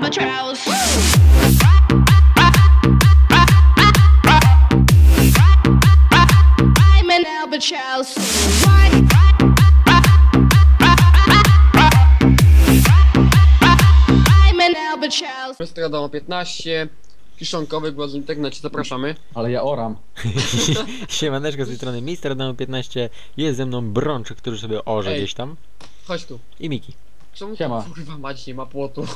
albatross. I'm an albatross. I'm an albatross. Wiadomo 15. Kiszonkowy głos w internecie, zapraszamy. Ale ja oram. Siemaneczko, z tej strony Mister Adamo 15. Jest ze mną Brączek, który sobie orze Ej. gdzieś tam. Chodź tu. I Miki. Czemu Siema. tu, kurwa mać, nie ma płotu?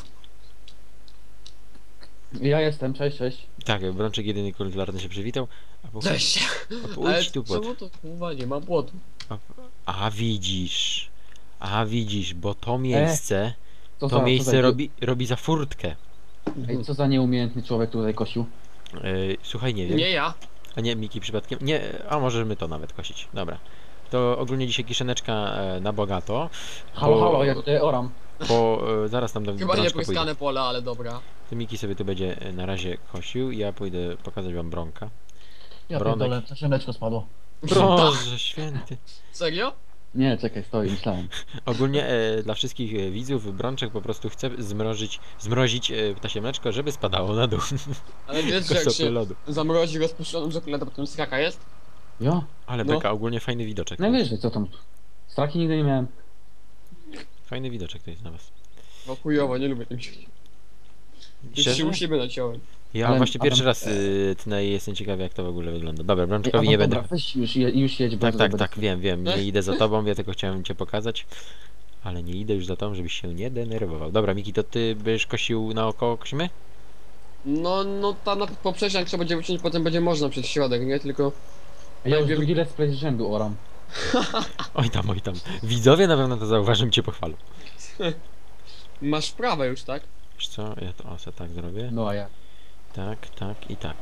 Ja jestem, cześć, cześć. Tak, Brączek jedyny kularny się przywitał. Cześć. A Ale idź tu pod. czemu to kurwa nie ma płotu? A widzisz. A widzisz, bo to miejsce, Co to za- miejsce co za- robi za furtkę. Ej, co za nieumiejętny człowiek tutaj kosił. Słuchaj, nie wiem. Nie ja. A nie, Miki przypadkiem. Nie, a możemy to nawet kosić. Dobra. To ogólnie dzisiaj kiszoneczka na bogato. Halo, halo, ja tutaj oram. Bo zaraz tam do Chyba nie Brączka pójdę. pryskane pole, ale dobra. To Miki sobie tu będzie na razie kosił. Ja pójdę pokazać wam Bronka. Ja Bronek. pierdolę, przeszemeczko spadło. Boże święty. Serio? Nie, czekaj, stoi, myślałem. Ogólnie dla wszystkich widzów Brączek po prostu chce zmrozić ptasie mleczko, żeby spadało na dół. Ale wiesz, że Tylko jak stopy się lodu. zamrozi rozpuszczoną czekoladę, potem straka jest? Jo? Ale No. beka, ogólnie fajny widoczek. Najwyżej, co tam? Straki nigdy nie miałem. Fajny widoczek to jest na was. No chujowo, nie lubię tym się. Już Szczerze? się u siebie naciąłem. Ja Ale- właśnie ale- pierwszy raz jestem ciekawy, jak to w ogóle wygląda. Dobra, Ej, Brączkowi a nie no będę... dobra, weź już jedź, bo Tak, to tak, będę- tak, wiem, nie idę za tobą, ja tylko chciałem cię pokazać. Ale nie idę już za tobą, żebyś się nie denerwował. Dobra, Miki, to ty byś kosił naokoło kosimy? No ta na poprzeczniak trzeba będzie wyciąć, potem będzie można przez środek, nie? Tylko... Ja już drugi let's play z rzędu oram. Oj tam, oj tam. Widzowie na pewno to zauważą i cię pochwalą. Masz prawę już, tak? Wiesz co, ja to sobie tak zrobię. No a ja. Tak, tak i tak.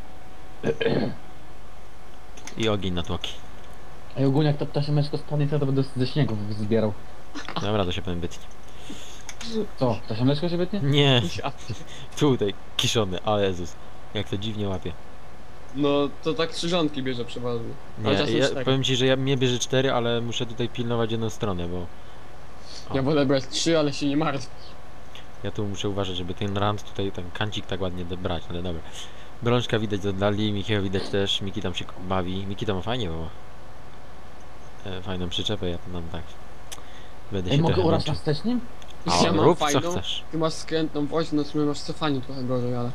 I ogień na tłoki. Ej, ogólnie jak to ptasiemeczko spadnie, to będę ze śniegu zbierał. Dobra, to się powiem bytnie. Co, ptasiemeczko się wytnie? Nie, Ja. tutaj, kiszony, ale Jezus. Jak to dziwnie łapie. No to tak krzyżanki bierze przeważnie. Nie, Ale czasem ja cztery. powiem ci, że mnie bierze 4, ale muszę tutaj pilnować jedną stronę, bo Ja wolę brać 3, ale się nie martw. ja tu muszę uważać, żeby ten rand tutaj, ten kancik tak ładnie dobrać, ale dobra. Brączka widać z oddali, Mikiego widać też, Miki tam się bawi. Miki tam fajnie było. Fajną przyczepę, ja to nam tak... Będę Ej, się mogę trochę orać męczył. na wstecznym? A, Ja mam rób co fajną. chcesz. Ty masz skrętną woź, no w sumie masz cofanie trochę gorzej, ale...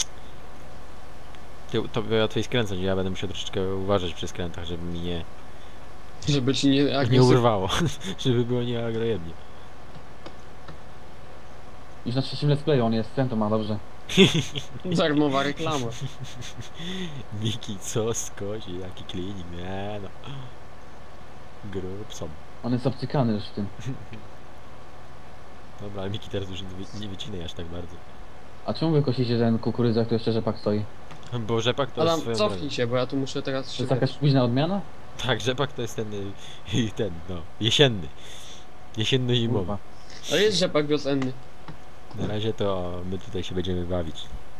Ty, to łatwiej skręcać, ja będę musiał troszeczkę uważać przy skrętach, żeby mi Żeby ci nie... nie urwało. Żeby było nieagrojemnie. Już na trzecim let's playu on jest, ten to ma, dobrze. Darmowa reklama. Miki, co skozi, jaki klinik, nie no. Grób są. On jest obcykany już w tym. Dobra, ale Miki teraz już nie wycinaj aż tak bardzo. A czemu wy kosicie ten kukurydza, który jeszcze rzepak stoi? Bo rzepak to Adam, jest swoją cofnij drogą. się, bo ja tu muszę teraz To jest szybko. jakaś późna odmiana? Tak, rzepak to jest ten, no, jesienny. Jesienny zimowy. Kurwa. Ale jest rzepak wiosenny. Na razie to my tutaj się będziemy bawić.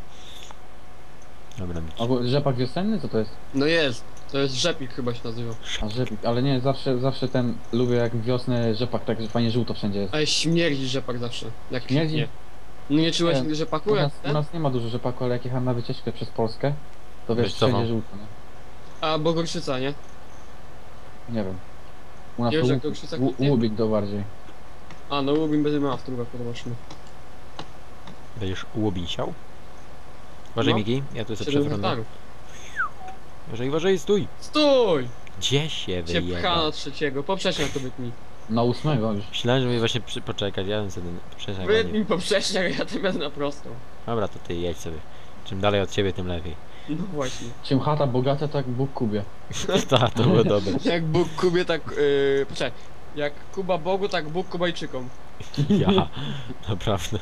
Dobra, Miki. Albo rzepak wiosenny? Co to jest? No jest. To jest rzepik chyba się nazywa. A rzepik, ale nie, zawsze ten, lubię jak wiosnę rzepak, tak że fajnie żółto wszędzie jest. Ale śmierdzi rzepak zawsze. Jak Śmierdzi? kwitnie. No nie czułeś Nie. rzepaku U jak nas, u ten? nas nie ma dużo rzepaku, ale jak jechałem na wycieczkę przez Polskę, to wiesz, Wiesz co wszędzie mam? żółto, nie? A, bo gorszyca, nie? Nie wiem. U nas Nie to wiesz, jak to krzyca kwitnie? łubik to bardziej. A, no Lubin będzie miała w tym roku, zobaczymy. Będziesz łobisiał? Uważaj, No. Miki, ja tu sobie 7 przewrotę. hektarów. Uważaj, stój! Stój! Gdzie się Cię pcha wyjeba? na trzeciego, poprzeczniak to wytnij. Na 8 już. Myślałem, że mnie właśnie poczekać, ja bym sobie przeszedł. Wytnij poprzeczniak, ja tym jadę na prostą. Dobra, to ty jedź sobie. Czym dalej od ciebie, tym lepiej. No właśnie. Czym chata bogata, tak Bóg kubie. Ta, to było dobre. Jak Bóg Kubie, tak... poczekaj. Jak Kuba Bogu, tak Bóg Kubajczykom. Ja, naprawdę.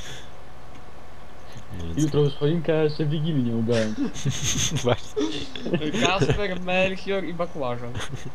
No więc Jutro już choinka, a jeszcze Wigilii nie ubrałem. właśnie. Kasper, Melchior i Bakłażan.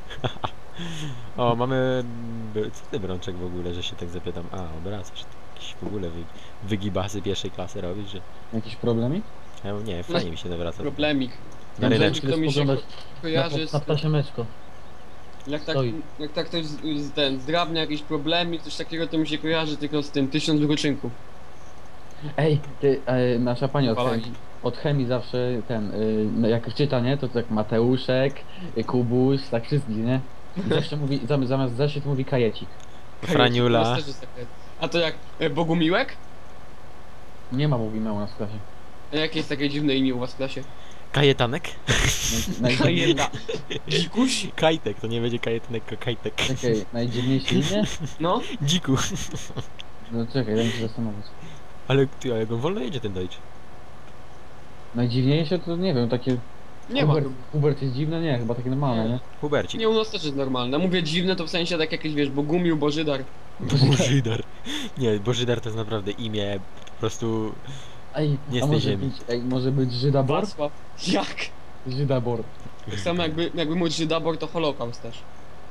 O, mamy... Co ty, Brączek, w ogóle, że się tak zapytam? A, obracasz. Jakieś w ogóle wygibasy pierwszej klasy robisz, że... Jakiś problemik? Ja, nie, fajnie mi się nawraca. Problemik. Na ryneczku. To mi się spoglądać kojarzy z... na ptasiemeczko. Jak tak ktoś zdrabnia jakiś problemik, coś takiego, to mi się kojarzy tylko z tym 1000 wykroczynków. Ej, ty, nasza pani Palagi. od chemii zawsze ten, no jak czyta, nie? To tak Mateuszek, Kubuś, tak wszystkich, nie? I zawsze mówi, zamiast zeszyt mówi kajecik. Franiula. U nas też jest takie. A to jak Bogumiłek? Nie ma Bogumila u nas w klasie. A jakie jest takie dziwne imię u was w klasie? Kajetanek? Kajeta. Dzikuś? Kajtek, to nie będzie kajetanek, tylko kajtek. Czekaj, najdziwniejsze imię? No. Dziku. No czekaj, daj mi się zastanowić. Ale ty, a jak on wolno jedzie ten Dodge? Najdziwniejsze to nie wiem, takie... Nie ma. Hubert jest dziwne? Nie, chyba takie normalne, nie? Hubercik. Nie, u nas też jest normalne. Mówię dziwne, to w sensie tak jakieś, wiesz, Bogumił, Bożydar. Bożydar. Nie, Bożydar to jest naprawdę imię po prostu Ej, Nie a z tej może ziemi. być, może być Żydabor? Wacław. Jak? Żydabor. Tak samo jakby mój Żydabor to Holokaust też.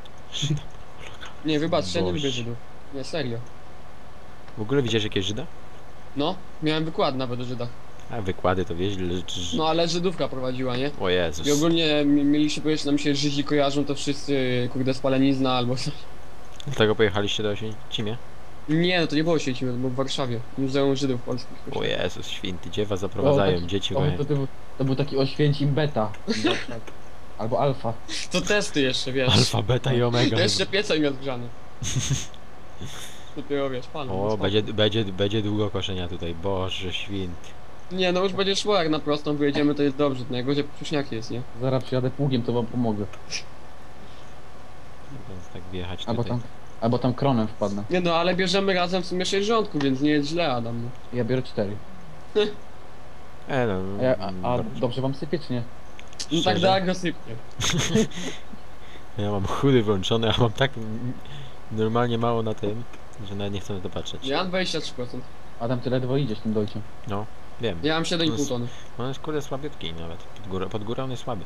Nie, wybaczcie, ja nie Boże. lubię Żydów. Nie, serio. W ogóle widziałeś jakieś Żyda? No, miałem wykład nawet o Żydach. A wykłady to wieźli, No ale Żydówka prowadziła, nie? O Jezus. I ogólnie mieliście powiedzieć, że nam się Żydzi kojarzą, to wszyscy, kurde, spalenizna albo coś. Dlatego pojechaliście do Oświęcimia? Nie, no to nie było sieci, to było w Warszawie. Muzeum Żydów Polskich. O Jezus, święty, gdzie was zaprowadzają, dzieci O, moje. to był taki Oświęcim beta. Albo alfa. To testy jeszcze, wiesz. Alfa, beta i omega. Jeszcze piecem jest grzany. Dopiero wiesz, pan. O, będzie długo koszenia tutaj, Boże święty. Nie, no już będzie szło, jak na prostą wyjedziemy, to jest dobrze. Najgorzej pruśniaki jest, nie? Zaraz przyjadę pługiem, to wam pomogę. Więc tak wjechać Albo tutaj. albo tam kronem wpadnę. Nie no, ale bierzemy razem w sumie 6 rządków, więc nie jest źle, Adam. No. Ja biorę 4. No, A dobrze wam sypie, czy nie? No tak Szczerze? da agresywnie. Ja mam chudy włączone, a mam tak normalnie mało na tym, że nawet nie chcę na to patrzeć. Ja mam 23%. Adam, ty ledwo idziesz tym dojciem. Wiem. Ja mam 7,5 tony. On jest kurde słabiutki nawet. Pod górę on jest słaby.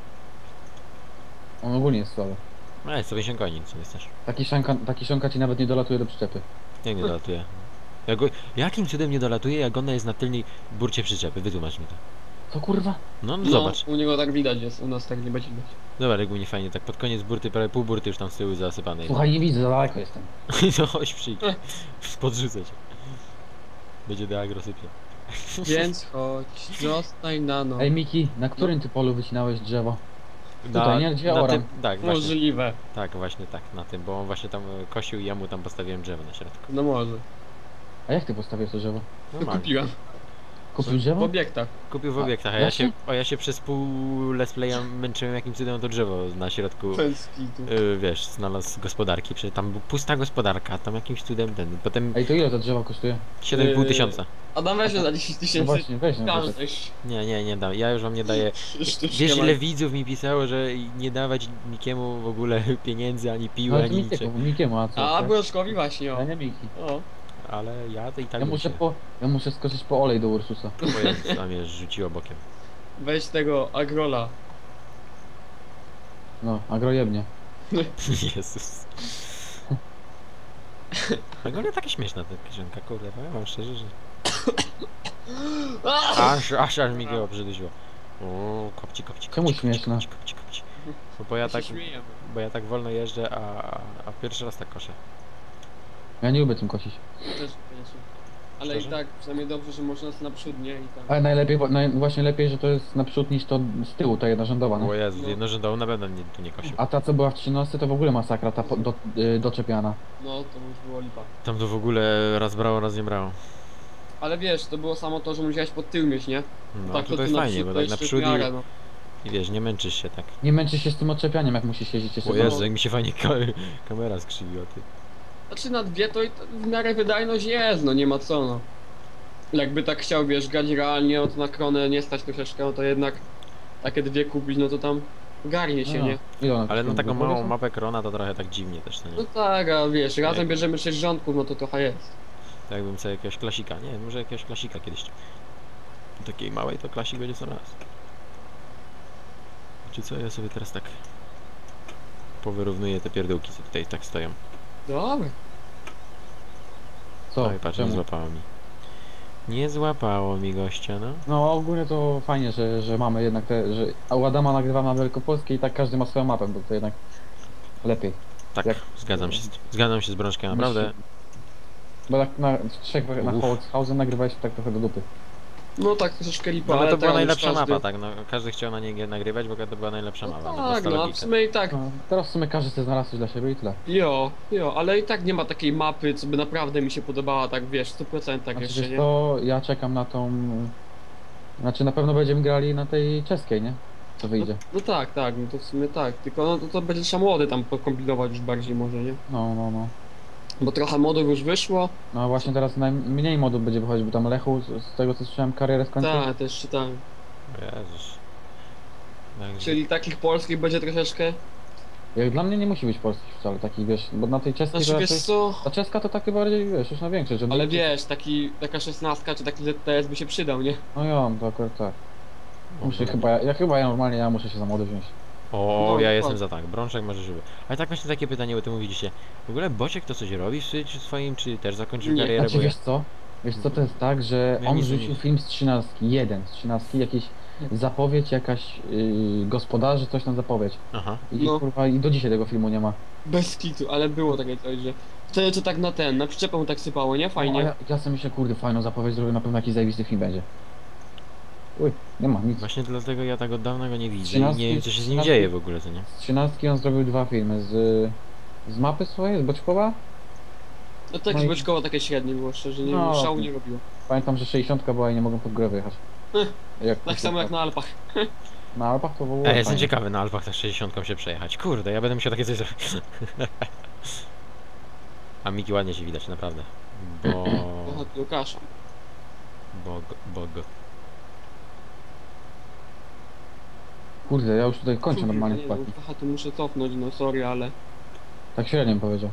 On ogólnie jest słaby. No jest 150 koni, co jest też. Taki szonka ci nawet nie dolatuje do przyczepy. Jak nie dolatuje? Jakim cudem nie dolatuje, jak ona jest na tylnej burcie przyczepy? Wytłumacz mi to. Co kurwa? No, No, zobacz. u niego tak widać jest, u nas tak nie będzie widać. Zobacz, jak u mnie fajnie, tak pod koniec burty, prawie pół burty już tam z tyłu zasypanej. Słuchaj, nie widzę, za daleko jestem. No chodź przyjdź. Podrzucę cię. Będzie do agrosypie. Więc chodź, zostań na no. Ej Miki, na którym ty polu wycinałeś drzewo? Tutaj, nie? Gdzie oram? tym, tak, właśnie, Możliwe. tak, właśnie tak, na tym, bo on właśnie tam kosił i ja mu tam postawiłem drzewo na środku. No może. A jak ty postawiłeś to drzewo? To Normalnie. kupiłem. Kupił W drzewo? obiektach. Kupił w A, obiektach, właśnie? a ja się przez pół let's playa męczyłem jakim cudem to drzewo na środku, Bez kitu. wiesz, znalazł gospodarki, przecież tam była pusta gospodarka, tam jakimś cudem ten, potem Ej, to ile to drzewo kosztuje? 7,5 tysiąca. Adam weź za 10 No tysięcy. właśnie, weź no. to tak. Każdy. Nie dam, ja już wam nie daję. Wiesz ile widzów mi pisało, że nie dawać nikiemu w ogóle pieniędzy, ani piły, Ale to ani niczego. Mikiemu, a co? A tak? Broszkowi właśnie, o. Ja nie Miki. O. Ale ja to i tak Ja bym się... muszę skoczyć po olej do Ursusa. O Jezus, tam mnie rzuciło bokiem. Weź tego agrola. No, agrojebnie. Jezus. Ogólnie taka śmieszna ta piosenka, kurde, powiem wam szczerze, że... Aż mi go obrzydziło. O, kopci. Czemu śmieszna? Kopci. No bo ja tak wolno jeżdżę, a pierwszy raz tak koszę. Ja nie lubię tym kosić. Też koniecznie. Ale Szczerze? i tak, przynajmniej dobrze, że można na przód, nie? I tak. Ale najlepiej, właśnie lepiej, że to jest naprzód niż to z tyłu, ta jedna rządowa, O no. Jezus, No. jednorzędową na pewno tu nie kosił. A ta co była w 13 to w ogóle masakra, ta doczepiana. No, to już było lipa. Tam to w ogóle raz brało, raz nie brało. Ale wiesz, to było samo to, że musiałeś pod tył mieć, nie? No, tak, to tu jest fajnie, przód bo to tak jeszcze w naprzód miarę, no. i wiesz, nie męczysz się tak. Nie męczysz się z tym odczepianiem, jak musisz jeździć jeszcze O za- Jezu, jak mi się fajnie kamera skrzywiła, ty. Znaczy na dwie to i w miarę wydajność jest, no nie ma co, no. Jakby tak chciał, wiesz, grać realnie, no to na kronę nie stać troszeczkę, no to jednak takie dwie kupić, no to tam garnie się, No, nie? ile ona Ale no kosztuje? taką Dwa małą grosze? mapę Krona to trochę tak dziwnie też, to nie? No tak, a wiesz, razem Jak- bierzemy 6 rządków, no to trochę jest. Tak jakbym sobie jakiegoś klasika, nie, może jakiegoś klasika kiedyś. Takiej małej to klasik będzie co raz. Czy co, ja sobie teraz tak powyrównuję te pierdółki, co tutaj tak stoją. Dobra. Co? Oj, patrz, nie Czemu? złapało mi. Nie złapało mi gościa, no. No ogólnie to fajnie, że mamy jednak że u Adama nagrywamy na Wielkopolskiej i tak każdy ma swoją mapę, bo to jednak lepiej. Tak, Jak- zgadzam się z Brączkiem, naprawdę. Bo tak na trzech na Uff. Holzhausen nagrywaliśmy tak trochę do dupy. No tak, troszeczkę lipa, No ale to była teraz już najlepsza każdy... mapa, tak, no każdy chciał na niej nagrywać, bo to była najlepsza No mapa, no, tak, prosta no a w logika. sumie i tak, No, teraz w sumie każdy sobie znalazł coś dla siebie i tyle. jo, ale i tak nie ma takiej mapy, co by naprawdę mi się podobała, tak wiesz, w 100% Znaczy, jeszcze, wiesz nie? to ja czekam na tą... Znaczy na pewno będziemy grali na tej czeskiej, nie? Co wyjdzie. No tak, no to w sumie tak, tylko no to będzie trzeba młody tam pokombinować już bardziej może, nie? No. Bo trochę modów już wyszło, No właśnie teraz najmniej modów będzie wychodzić, bo tam Lechu, z tego co słyszałem, karierę skończył. tak, też czytałem. Jezus. Także... Czyli takich polskich będzie troszeczkę, Jak dla mnie nie musi być polskich wcale takich, wiesz, bo na tej czeskiej znaczy to wiesz raczej... co, Ta czeska to takie bardziej, wiesz, już na większe, że... ale wiesz, taka 16 czy taki ZTS by się przydał, nie? No ja, to akurat tak. Muszę chyba, ja normalnie, ja muszę się za młody wziąć. O, No, ja dokładnie. jestem za tak, Brączek może żywy. Ale tak właśnie takie pytanie, bo ty mówiliście, w ogóle Bociek to coś robi w swoim, czy też zakończył Nie, karierę, Znaczy bo ja... wiesz co? Wiesz co to jest tak, że Ja on nic nie rzucił widzę. film z 13, jeden z 13, jakiś zapowiedź, jakaś gospodarzy, coś tam zapowiedź. Aha. I No. kurwa, i do dzisiaj tego filmu nie ma. Bez kitu, ale było takie coś, że wtedy to tak na przyczepę tak sypało, nie? No, a Fajnie. ja sobie myślę, kurde, fajną zapowiedź zrobię, na pewno jakiś zajebisty film będzie. Uj, nie ma nic. Właśnie dlatego ja tak od dawna go nie widzę i 13 nie wiem co się z nim 13 dzieje w ogóle, co nie? Z 13 on zrobił 2 filmy, z mapy swojej, z Boczkowa. No tak, no i- Boczkowo takie średnie było, szczerze, nie No, szału to- nie robiło. Pamiętam, że 60 była i nie mogłem pod grę wyjechać. Tak samo jak na Alpach. Na Alpach to było Ja jestem fajnie. ciekawy na Alpach tak 60 się przejechać. Kurde, ja będę musiał takie coś zrobić. A Miki ładnie się widać, naprawdę. Bo... Aha, tu Łukasza. Bog. Kurde, ja już tutaj kończę normalnie Nie, wpadki. Aha, tu muszę cofnąć, no sorry, ale... Tak średnio bym powiedział.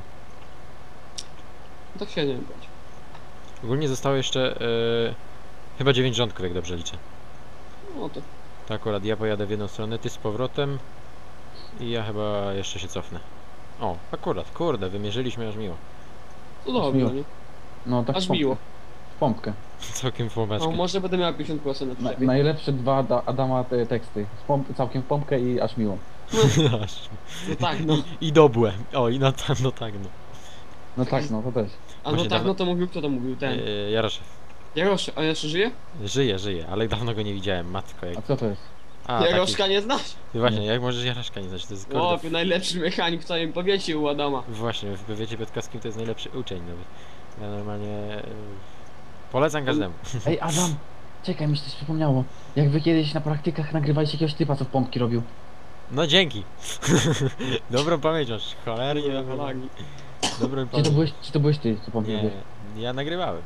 Tak się nie będzie. Ogólnie zostało jeszcze chyba 9 rządków, jak dobrze liczę. No to... Tak, akurat ja pojadę w jedną stronę, ty z powrotem i ja chyba jeszcze się cofnę. O, akurat, kurde, wymierzyliśmy aż miło. To dobrze, miło. nie? No tak Aż w pompkę. miło. W pompkę. Całkiem w łamaczkę. No może będę miał 50% na przyczepie. Najlepsze dwa Adama teksty. Całkiem w pompkę i aż miło. Aż. No tak, no. I dobłe. O, i no tak, no. No tak, no to też. A no Właśnie tak, dawno- no to mówił, kto to mówił? Ten. Jaroszew. Jarosz, a jeszcze żyje? Żyje, ale dawno go nie widziałem, matko jak... A co to jest? A, Jaroszka nie znasz? taki... Właśnie, jak możesz Jaroszka nie znać, to jest kurde... O, najlepszy mechanik w całym powiecie u Adama. Właśnie, w powiecie piotrkowskim to jest najlepszy uczeń nawet. Ja normalnie... Polecam każdemu. Ej Adam! Czekaj, mi się coś przypomniało. Jak wy kiedyś na praktykach nagrywaliście jakiegoś typa, co w pompki robił. No dzięki. Dobrą pamięć masz, cholernie Nie, dobrą lagi. pamięć. Dobrą Czy pamięć. to byłeś ty, co pompki Nie, robiłeś? ja nagrywałem.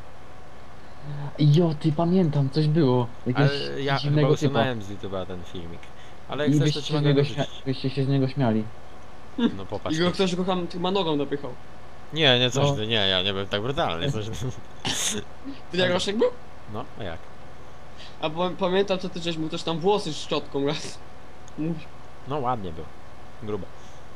Jo, ty pamiętam, coś było. Jakiegoś Ale ja chyba dziwnego typa. usunąłem z YouTube'a ten filmik. Ale jak I chcesz, to ci mogę go wrzucić. byście się z niego śmiali. No popatrz. I go ktoś go chyba nogą dopychał. Nie, coś No. ty, nie, ja nie byłem tak brutalny. Coś... Ty Jaroszek był? No, a jak? A pamiętam, co ty żeś mu też tam włosy z szczotką raz. Mówi. No ładnie był. Grubo.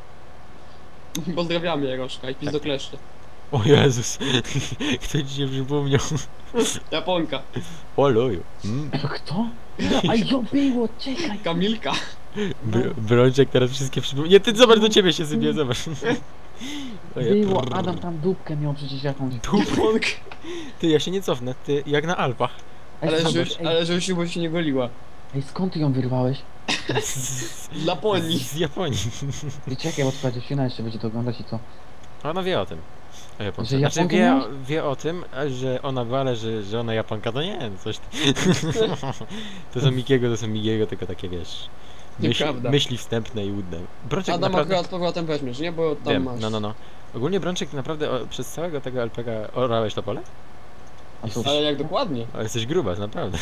Pozdrawiamy Jaroszka i Tak. pizdokleszcze. O Jezus, kto ci się przypomniał? Japonka. O luju. Mm. Kto? A jo, było, czekaj! Kamilka. Brączek teraz wszystkie przypomniał. Nie, ty zobacz, do ciebie się sypie, zobacz. Ojej, Było, prrr. Adam tam dupkę miał przecież jakąś. Japonka. Ty, ja się nie cofnę, ty, jak na Alpach. Ej, Ale żeś bo się nie goliła. ej, skąd ty ją wyrwałeś? Z Laponii. Z Japonii. I czekaj, bo twoja dziewczyna jeszcze będzie to oglądać i co? Ona wie o tym. O Japonce. Że Znaczy Japonkę wie, miałeś? wie o tym, a że ona była, ale że ona Japonka, to nie, coś... To są Mikiego, tylko takie, wiesz... Nieprawda. Myśli wstępne i łudne. Brączek Adam naprawdę... akurat z powrotem weźmiesz, nie? Bo tam Wiem, masz. no. Ogólnie Brączek naprawdę przez całego tego LPG orałeś to pole? A co? Ale jak dokładnie? Ale jesteś grubas, naprawdę.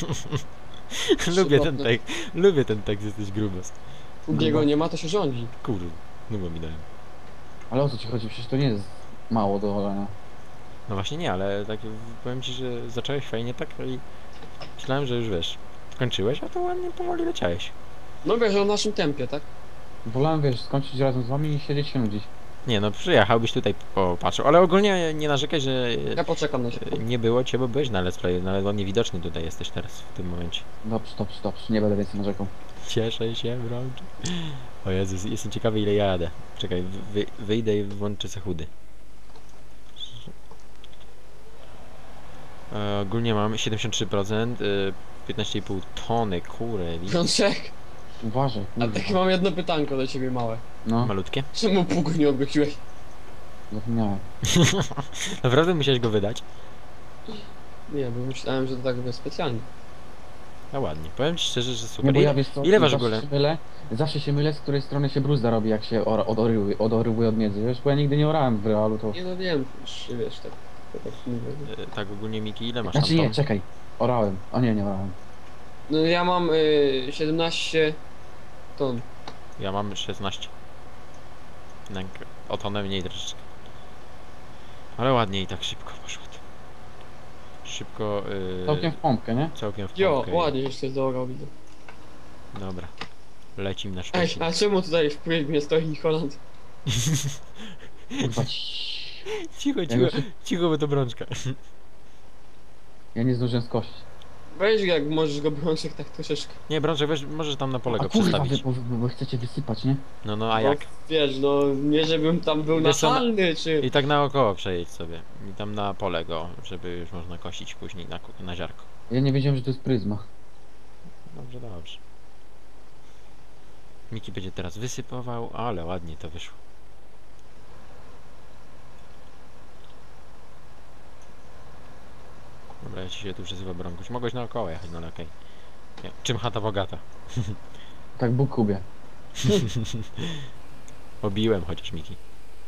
Lubię ten tekst, jesteś grubas. U Diego nie ma, to się rządzi. Kurde, no bo mi dałem. Ale o co ci chodzi? Przecież to nie jest mało do olenia. No właśnie nie, ale tak powiem ci, że zacząłeś fajnie tak i myślałem, że już wiesz, kończyłeś, a to ładnie powoli leciałeś. No wiesz, o naszym tempie, tak? Wolałem, wiesz, skończyć razem z wami i siedzieć się nudzić. Nie no, przyjechałbyś tutaj popatrzył, ale ogólnie nie narzekaj, że Ja poczekam na ciebie. nie było cię, bo byłeś na Let's Play, nawet ładnie widoczny tutaj jesteś teraz, w tym momencie. Dobrze, nie będę więcej narzekał. Cieszę się, wrącz. O Jezus, jestem ciekawy ile ja jadę. Czekaj, wyjdę i włączę se chudy. Ogólnie mamy 73%, 15,5 tony, kurde, Brączek, Uważaj, a kurwa. takie mam jedno pytanko do ciebie małe. No, malutkie. Czemu pługu nie obróciłeś? zapomniałem. Naprawdę musiałeś go wydać? Nie, bo myślałem, że to tak będzie specjalnie. A ładnie, powiem ci szczerze, że Nie, super. bo ja wiesz co, ile waży w zawsze ogóle? się mylę, zawsze się mylę, z której strony się bruzda robi, jak się odorywuje od miedzy, wiesz, bo ja nigdy nie orałem w realu, to... Nie no wiem, już, wiesz, tak, to tak mówię. Tak ogólnie Miki, ile masz Znaczy tam nie, ton? czekaj, orałem, a nie orałem. No ja mam 17 ton. Ja mam 16. Tak, o tonę mniej troszeczkę. Ale ładnie i tak szybko poszło to. Szybko, Całkiem w pompkę, nie? całkiem w Jo, pompkę. ładnie jeszcze zaorał, widzę. Dobra. Lecim na Ej, Szczecin. a czemu tutaj w mnie stoi Nicholand? Kurwa, Cicho, Ja cicho, już- cicho, bo to brączka. ja nie zdążyłem skosić. Weź jak możesz go Brączek tak troszeczkę. Nie, brączek, weź, możesz tam na pole A go kurwa, przestawić. bo chcecie wysypać, nie? No, no, a Bo, jak? Wiesz, no nie żebym tam był Wiesz co, nachalny, czy... I tak naokoło przejedź sobie. I tam na pole go, żeby już można kosić później na ziarko. Ja nie wiedziałem, że to jest pryzma. Dobrze, dobrze. Miki będzie teraz wysypował, ale ładnie to wyszło. Dobra, ja ci się tu przezywa Brąkuś. Mogłeś naokoło jechać, no ale okej. Nie, czym chata bogata? Tak Bóg kubie. Obiłem chociaż Miki.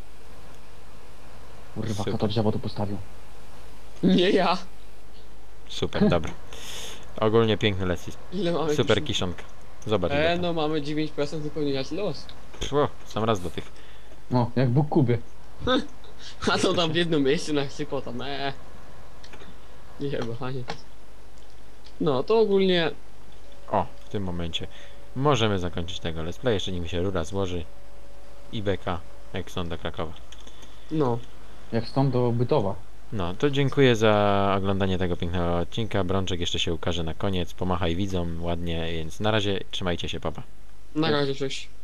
Kurwa, Super. kto to drzewo tu postawił? Nie ja. Super, dobra. Ogólnie piękny leci. Ile mamy Super kiszonki? kiszonka. Zobacz. ile tam. No mamy 9% wypełniać los. Pfu, sam raz do tych. No, jak Bóg kubie. A to tam w jednym miejscu na chcypo tam, Nie chyba, panie. No, to ogólnie... O, w tym momencie możemy zakończyć tego let's play, jeszcze nim się rura złoży i beka, jak stąd do Krakowa. No. Jak stąd do Bytowa. No, to dziękuję za oglądanie tego pięknego odcinka. Brączek jeszcze się ukaże na koniec, pomachaj widzom ładnie, więc na razie trzymajcie się, papa. Na razie, cześć.